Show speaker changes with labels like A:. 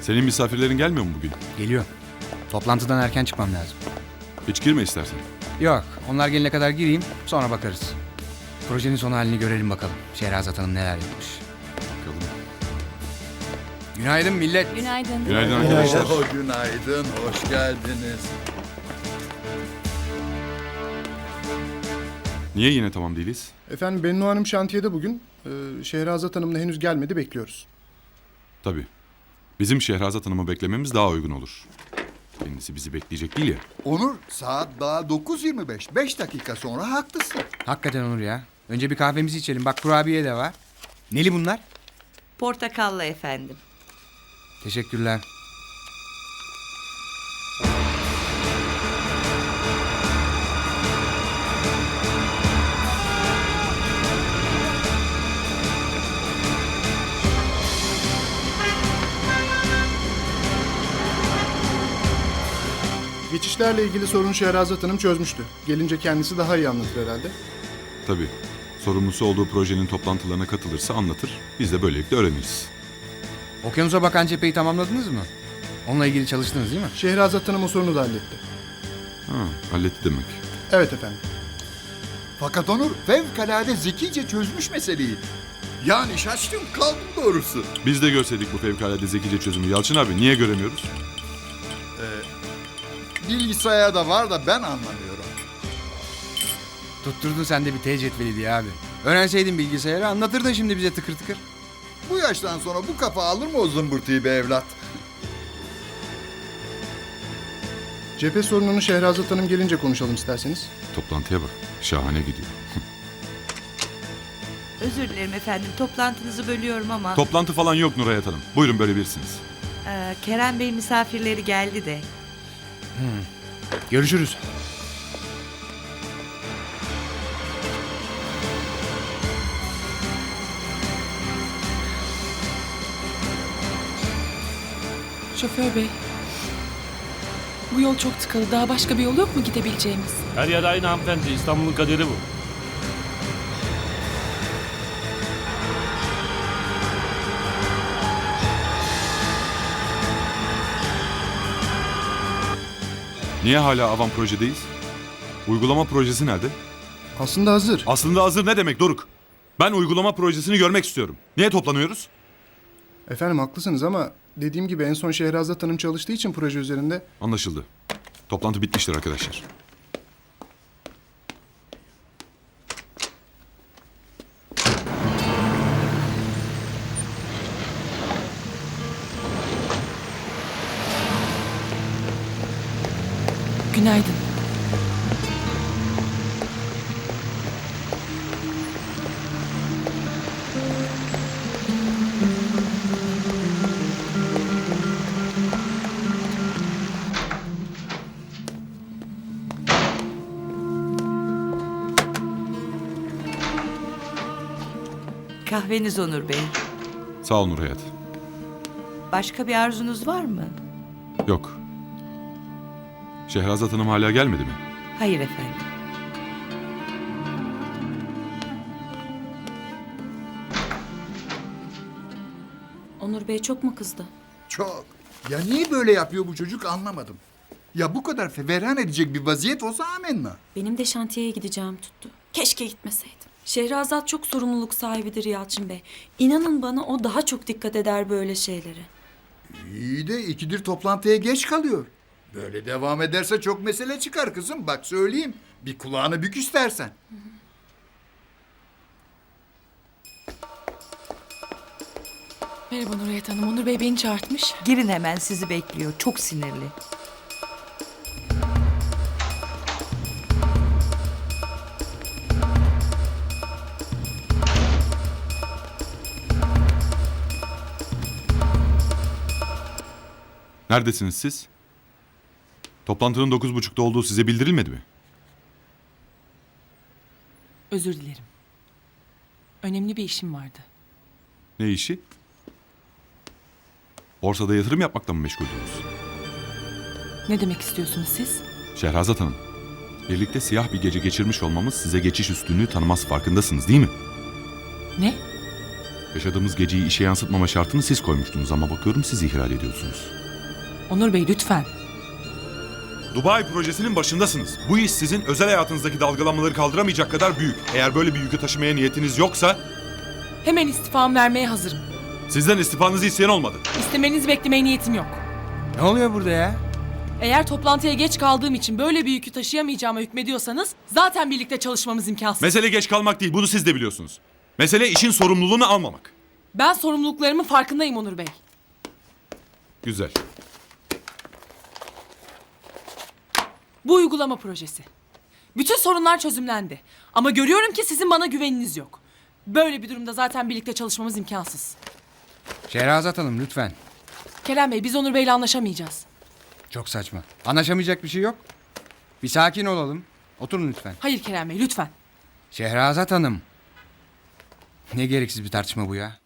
A: Senin misafirlerin gelmiyor mu bugün?
B: Geliyor. Toplantıdan erken çıkmam lazım.
A: Hiç girme istersen.
B: Yok, onlar gelene kadar gireyim, sonra bakarız. Projenin son halini görelim bakalım. Şehrazat Hanım neler yapmış.
A: Bakalım.
B: Günaydın millet.
C: Günaydın.
A: Günaydın arkadaşlar.
D: Günaydın, hoş geldiniz.
A: Niye yine tamam değiliz?
E: Efendim Bennu Hanım şantiyede bugün. Şehrazat Hanım da henüz gelmedi, bekliyoruz.
A: Tabii. Bizim Şehrazat Hanım'ı beklememiz daha uygun olur. Kendisi bizi bekleyecek değil ya.
D: Onur, saat daha 9.25. 5 dakika sonra haklısın.
B: Hakikaten Onur ya. Önce bir kahvemizi içelim. Bak kurabiye de var. Neli bunlar?
F: Portakallı efendim.
B: Teşekkürler.
E: Geçişlerle ilgili sorunu Şehrazat Hanım çözmüştü. Gelince kendisi daha iyi anlatır herhalde.
A: Tabii. Sorumlusu olduğu projenin toplantılarına katılırsa anlatır. Biz de böylelikle öğreniriz.
B: Okyanusa bakan cepheyi tamamladınız mı? Onunla ilgili çalıştınız değil mi?
E: Şehrazat Hanım o sorunu da halletti.
A: Ha, halletti demek.
E: Evet efendim.
D: Fakat Onur fevkalade zekice çözmüş meseleyi. Yani şaştım kaldım doğrusu.
A: Biz de görseydik bu fevkalade zekice çözümü. Yalçın abi niye göremiyoruz?
D: Bilgisayarda var da ben anlamıyorum.
B: Tutturdun sen de bir T cetveli diye abi. Öğrenseydin bilgisayarı anlatırdın şimdi bize tıkır tıkır.
D: Bu yaştan sonra bu kafa alır mı o zımbırtıyı be evlat?
E: Cephe sorununu Şehrazat Hanım gelince konuşalım isterseniz.
A: Toplantıya bak. Şahane gidiyor.
F: Özür dilerim efendim. Toplantınızı bölüyorum ama
A: Toplantı falan yok Nurhayat Hanım. Buyurun böyle birsiniz.
F: Kerem Bey misafirleri geldi de.
B: Görüşürüz.
C: Şoför bey. Bu yol çok tıkalı. Daha başka bir yol yok mu gidebileceğimiz?
G: Her yer aynı hanımefendi. İstanbul'un kaderi bu.
A: Niye hala Avan projedeyiz? Uygulama projesi nerede?
E: Aslında hazır.
A: Aslında hazır ne demek Doruk? Ben uygulama projesini görmek istiyorum. Niye toplanıyoruz?
E: Efendim haklısınız ama dediğim gibi en son Şehrazat Hanım çalıştığı için proje üzerinde.
A: Anlaşıldı. Toplantı bitmiştir arkadaşlar.
C: Günaydın.
F: Kahveniz Onur Bey.
A: Sağ ol Nurhayat.
F: Başka bir arzunuz var mı?
A: Yok. Şehrazat Hanım hala gelmedi mi?
F: Hayır efendim.
H: Onur Bey çok mu kızdı?
D: Çok. Ya niye böyle yapıyor bu çocuk anlamadım. Ya bu kadar feveran edecek bir vaziyet olsa amenna.
H: Benim de şantiyeye gideceğim tuttu. Keşke gitmeseydim. Şehrazat çok sorumluluk sahibidir Yalçın Bey. İnanın bana o daha çok dikkat eder böyle şeylere.
D: İyi de ikidir toplantıya geç kalıyor. Böyle devam ederse çok mesele çıkar kızım. Bak söyleyeyim. Bir kulağını bük istersen.
C: Merhaba Nurhayat Hanım. Onur Bey beni çağırtmış.
F: Girin hemen sizi bekliyor. Çok sinirli.
A: Neredesiniz siz? Toplantının 9.30'da olduğu size bildirilmedi mi?
C: Özür dilerim. Önemli bir işim vardı.
A: Ne işi? Borsada yatırım yapmakla mı meşguldünüz?
C: Ne demek istiyorsunuz siz?
A: Şehrazat Hanım, birlikte siyah bir gece geçirmiş olmamız size geçiş üstünlüğü tanımaz farkındasınız değil mi?
C: Ne?
A: Yaşadığımız geceyi işe yansıtmama şartını siz koymuştunuz ama bakıyorum siz ihlal ediyorsunuz.
C: Onur Bey lütfen.
A: Dubai projesinin başındasınız. Bu iş sizin özel hayatınızdaki dalgalanmaları kaldıramayacak kadar büyük. Eğer böyle bir yükü taşımaya niyetiniz yoksa
C: Hemen istifamı vermeye hazırım.
A: sizden istifanızı isteyen olmadı.
C: İstemenizi beklemeye niyetim yok.
B: Ne oluyor burada ya?
C: Eğer toplantıya geç kaldığım için böyle bir yükü taşıyamayacağıma hükmediyorsanız zaten birlikte çalışmamız imkansız.
A: Mesele geç kalmak değil, bunu siz de biliyorsunuz. Mesele işin sorumluluğunu almamak.
C: Ben sorumluluklarımın farkındayım Onur Bey.
A: Güzel.
C: Bu uygulama projesi. Bütün sorunlar çözümlendi. Ama görüyorum ki sizin bana güveniniz yok. Böyle bir durumda zaten birlikte çalışmamız imkansız.
B: Şehrazat Hanım lütfen.
C: Kerem Bey biz Onur Bey'le anlaşamayacağız.
B: Çok saçma. Anlaşamayacak bir şey yok. Bir sakin olalım. Oturun lütfen.
C: Hayır Kerem Bey lütfen.
B: Şehrazat Hanım. Ne gereksiz bir tartışma bu ya.